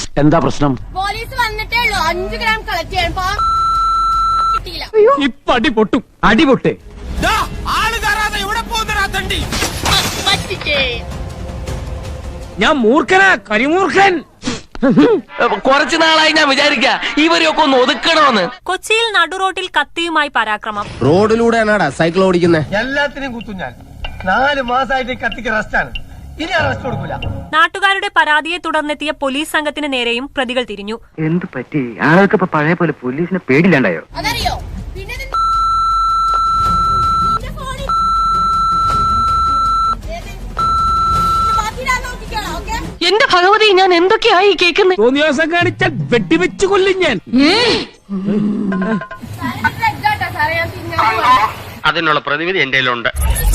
എന്താ പ്രശ്നം? പോലീസ് വന്നിട്ടേ ഉള്ളൂ. 5 ഗ്രാം കളക്ട് ചെയ്യാൻ കിട്ടിയില്ല. ഇപ്പൊ അടി പൊട്ടും. അടി പൊട്ടേ. ഞാൻ മൂർഖനാ, കരിമൂർഖൻ. കുറച്ചു നാളായി ഞാൻ വിചാരിക്കാ ഇവരെയൊക്കെ ഒന്ന് ഒതുക്കണമെന്ന്. കൊച്ചിയിൽ നടുറോട്ടിൽ കത്തിയുമായി പരാക്രമം. റോഡിലൂടെയാണാടാ സൈക്കിൾ ഓടിക്കുന്നത്. എല്ലാത്തിനും കുത്തും ഞാൻ. 4 മാസമായിട്ട് കത്തിക്ക് റെസ്റ്റാണ്. ഇനി അറസ്റ്റ് കൊടുക്കൂല. നാട്ടുകാരുടെ പരാതിയെ തുടർന്നെത്തിയ പോലീസ് സംഘത്തിന് നേരെയും പ്രതികൾ തിരിഞ്ഞു. എന്ത് പറ്റി? ആളുകൾക്ക് ഇപ്പൊ പഴയ പോലെ പോലീസിനെ പേടില്ലാണ്ടായോ? അതറിയോ? പിന്നെ എന്റെ ഭഗവതി, ഞാൻ എന്തൊക്കെയായി കേൾക്കുന്നത്? തോന്നിയാസം കാണിച്ചാൽ വെട്ടിവെച്ച് കൊല്ലും ഞാൻ. അതിനുള്ള പ്രതിവിധി എന്റെ കയ്യിലുണ്ട്.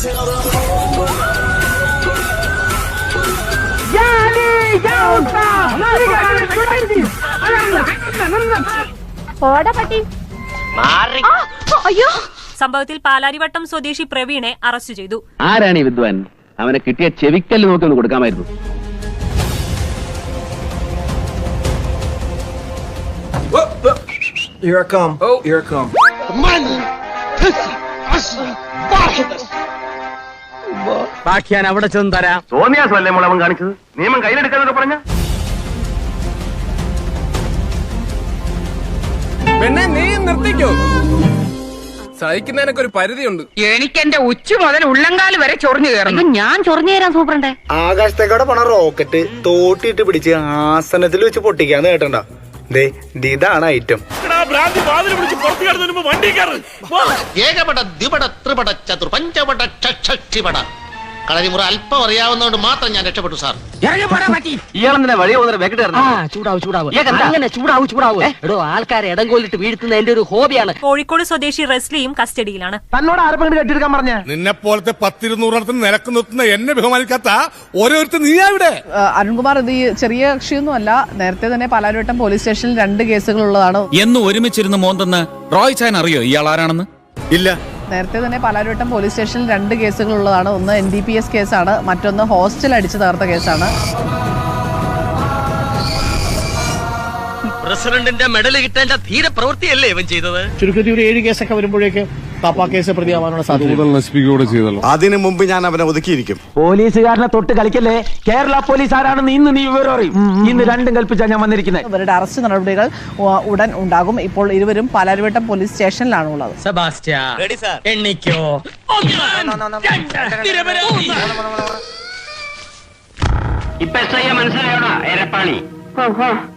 സംഭവത്തിൽ പാലാരിവട്ടം സ്വദേശി പ്രവീണെ അറസ്റ്റ് ചെയ്തു. ആരാണ് ഈ വിദ്വാൻ? അവനെ കിട്ടിയ ചെവിക്കല്ല് നോക്കി ഒന്ന് കൊടുക്കാമായിരുന്നു. Here I come. Oh, here I come. ബാക്കി ഞാൻ അവിടെ ചെന്ന് തരാം. തോന്നിയാസല്ലേ മുളവൻ കാണിച്ചത്? നിയമം കയ്യിലെടുക്കാന്നൊക്കെ പറഞ്ഞ പെണ്ണെ, നീ നിർത്തിക്കോ. സഹിക്കുന്നതിനൊക്കെ ഒരു പരിധിയുണ്ട്. എനിക്ക് എന്റെ ഉച്ച മുതൽ ഉള്ളങ്കാല് വരെ ചൊറിഞ്ഞു കയറുന്നു. ഞാൻ ചൊറിഞ്ഞു തരാൻ സൂപ്രണ്ടേ. ആകാശത്തേക്കോടെ പോണ റോക്കറ്റ് തോട്ടിട്ട് പിടിച്ച് ആസനത്തിൽ വെച്ച് പൊട്ടിക്കാന്ന് കേട്ടണ്ട. ഇതാണ് ഐറ്റം. ഏകപട ദ്വിപട ത്രിപട ചതുർ പഞ്ചപട ഷഷ്ടിപട കളരിമുറ അല്പം അറിയാവുന്നതുകൊണ്ട് മാത്രം ഞാൻ രക്ഷപ്പെട്ടു സാർ. ഇയാളെന്തിനാ വഴി പോകുന്ന വെക്കിട്ട് ചൂടാവൂ. എടോ, ആൾക്കാരെ ഇടം കൊല്ലിട്ട് വീഴ്ത്തുന്ന എന്റെ ഒരു ഹോബിയാണ്. കോഴിക്കോട് സ്വദേശി റെസ്ലിയും കസ്റ്റഡിയിലാണ്. തന്നോട് ആരെങ്കിലും കെട്ടിയെടുക്കാൻ പറഞ്ഞ? നിന്നെ പോലത്തെ 10-200 നിലക്ക് നിർത്തുന്ന എന്നെ ബഹുമാനിക്കാത്ത ഓരോരുത്തർ നീയാ ഇവിടെ. അരുൺകുമാർ ഇത് ചെറിയ കക്ഷിയൊന്നും അല്ല. നേരത്തെ തന്നെ പാലാരിവട്ടം പോലീസ് സ്റ്റേഷനിൽ 2 കേസുകളുള്ളതാണ്. എന്ന് ഒരുമിച്ചിരുന്ന് മോന്തെന്ന് റോയ് ചാൻ അറിയോ ഇയാൾ ആരാണെന്ന്? ഇല്ല. നേരത്തെ തന്നെ പാലാരിവട്ടം പോലീസ് സ്റ്റേഷനിൽ 2 കേസുകളുള്ളതാണ്. ഒന്ന് NDPS കേസാണ്, മറ്റൊന്ന് ഹോസ്റ്റൽ അടിച്ചു തകർത്ത കേസാണ്. പ്രസിഡന്റിന്റെ മെഡൽ കിട്ടേണ്ട ധീര പ്രവൃത്തിയല്ലേ ഇവൻ ചെയ്തത്? ചുരുക്കത്തിൽ ഒരു 7 കേസൊക്കെ വരുമ്പോഴേക്ക് പാപ്പാ കേസ് പ്രതിയാവാനുള്ള സാധ്യത. അതിനു മുമ്പ് ഞാൻ അവനെ ഒതുക്കിയിരിക്കും. പോലീസുകാരനെ തൊട്ട് കളിക്കല്ലേ. കേരള പോലീസ് ആരാണെന്ന് ഇന്ന് നീ വിവരം അറിയും. ഇന്ന് രണ്ടും കൽപ്പിച്ചാ ഞാൻ വന്നിരിക്കുന്നത്. ഇവരുടെ അറസ്റ്റ് നടപടികൾ ഉടൻ ഉണ്ടാകും. ഇപ്പോൾ ഇരുവരും പാലാരിവട്ടം പോലീസ് സ്റ്റേഷനിലാണ് ഉള്ളത്. ഇപ്പൊ മനസ്സിലായോടാ എരപ്പാണി?